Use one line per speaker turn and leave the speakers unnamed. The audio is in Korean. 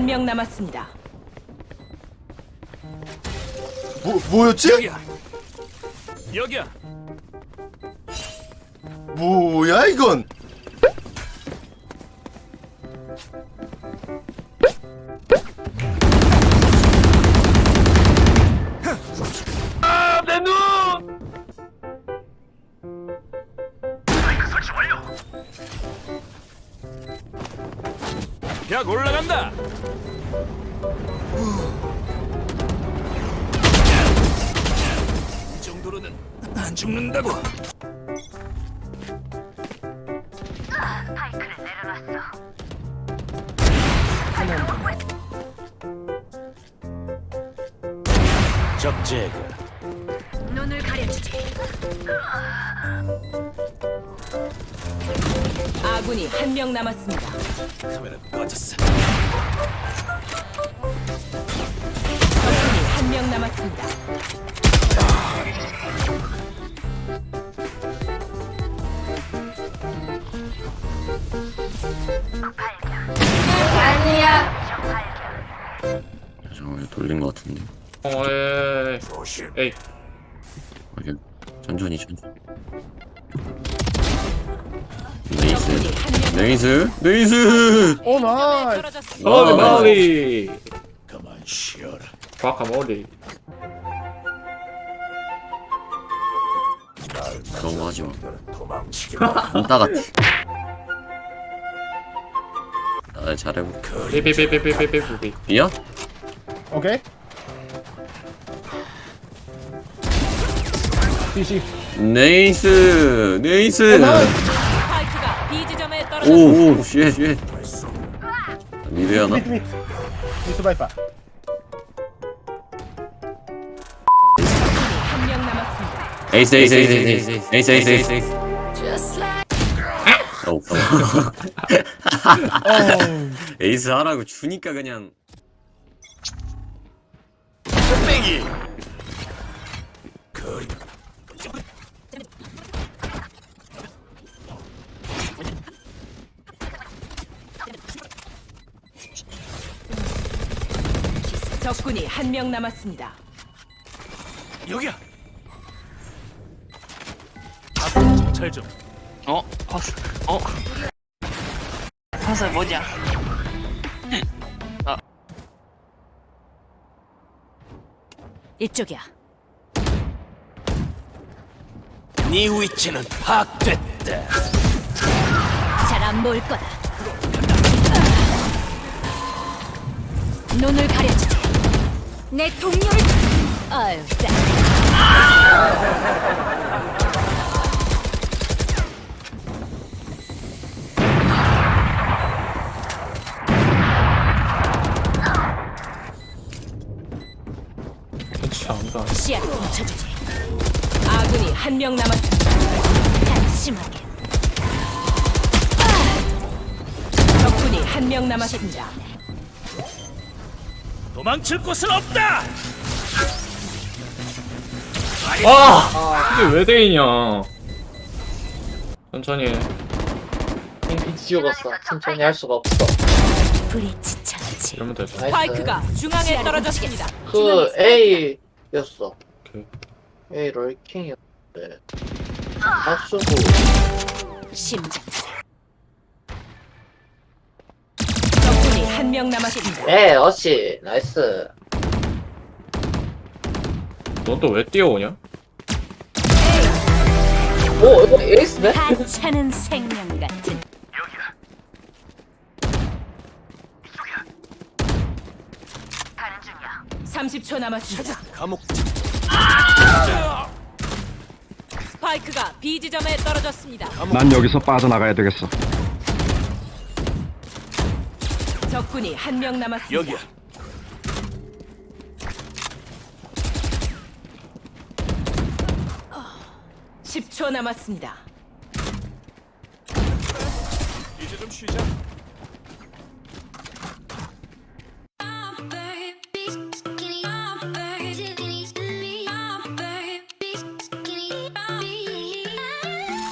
명 남았습니다.
뭐였지?
여기야.
뭐야 이건?
아, 내 눈. 설치 완료. 벽 올라간다. 이 정도로는 안 죽는다고.
스파이크를 내려놨어.
적 제거.
눈을 가려주지.
아군이 한 명 남았습니다.
카메라 꺼졌어.
적군이 한 명 남았습니다.
잠깐만 돌린 것 같은데.
에이.
이게 천천히.
적군이 한 명
네이스.
오 나이스.
떨어졌습니다.
멀리 멀리.
그만 쉬어라.
과카 멀리.
너무 하지 마.
도망치기.
안따 같아. 나 잘해볼게.
삐삐삐삐삐삐삐삐.
비야?
오케이. DC.
네이스.
스파이크가 B 지점에 떨어졌습니다.
오, 쉣. 미드 하나?
미스 바이파.
한 명 남았습니다.
에이스. 에이스 하라고 주니까 그냥.
빼기. 거의.
적군이 한 명 남았습니다.
여기야. 앞으로 정찰 좀.
사슬 뭐냐?
이쪽이야.
네 위치는 파악됐다.
잘 안 보일 거다. 눈을 가려주지. 내 동료를. 아유,
참다.
시야를 훔쳐주지. 아군이 한 명 남았습니다. 한심하게. 적군이 한 명 남았습니다.
도망칠 곳은 없다.
이게 왜 돼있냐? 천천히 해.
핑 지워갔어. 천천히 할 수가 없어.
불이 지쳐지.
이러면 되죠.
스파이크가 중앙에 떨어졌습니다.
그 A였어.
오케이.
A 롤킹이었는데. 박수고.
심장세. 적군이 한 명 남았습니다.
네, 어시. 나이스.
넌 또 왜 뛰어오냐?
오, 이거 에이스네?
하찮은 생명 같은.
여기야.
30초 남았습니다.
감옥.
스파이크가 B 지점에 떨어졌습니다.
난 여기서 빠져나가야 되겠어.
적군이 한 명 남았습니다.
여기야.
어, 10초 남았습니다.
이제 좀 쉬자.